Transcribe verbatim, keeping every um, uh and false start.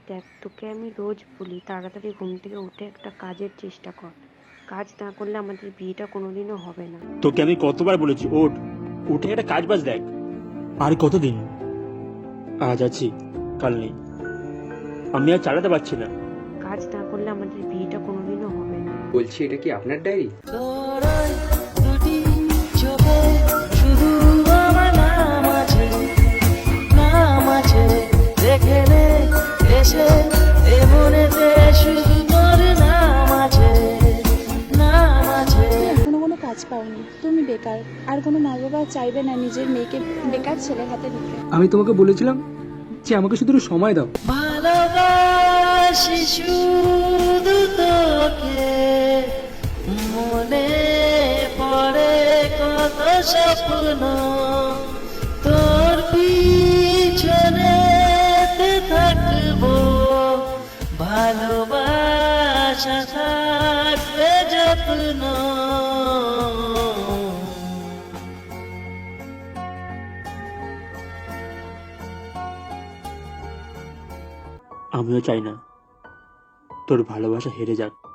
দেখ, তোকে আমি রোজ বলি তাড়াতাড়ি ঘুম থেকে উঠে একটা কাজের চেষ্টা কর। কাজ না করলে আমাদের বিয়েটা কোনোদিনও হবে না। তোকে আমি কতবার বলেছি ওঠ, উঠে একটা কাজ বাজ দেখ। আর কতদিন? আজ আছি, কাল নেই। আমি আর চালাতে পারছি না। কাজ না করলে আমাদের বিয়েটা কোনোদিনও হবে না। বলছি, এটা কি আপনার ডায়েরি? তোরাই দুটি চোখে শুধু আমার নাম আছে, নাম আছে, দেখে নে এসে এ মনেতে শুধু তোর নাম আছে, নাম আছে। এখনো কোনো কাজ পাওনি, তুমি বেকার। আর কোনো মা বাবা চাইবে না নিজের মেয়েকে বেকার ছেলের হাতে দিতে। আমি তোমাকে বলেছিলাম যে আমাকে শুধু একটু সময় দাও। ভালোবাসি শুধু তোকে, মনে পড়ে কত স্বপ্ন, তোর পিছনে থাকবো, ভালোবাসা থাকবে যত্ন। আমিও চাই না তোর ভালোবাসা হেরে যাক।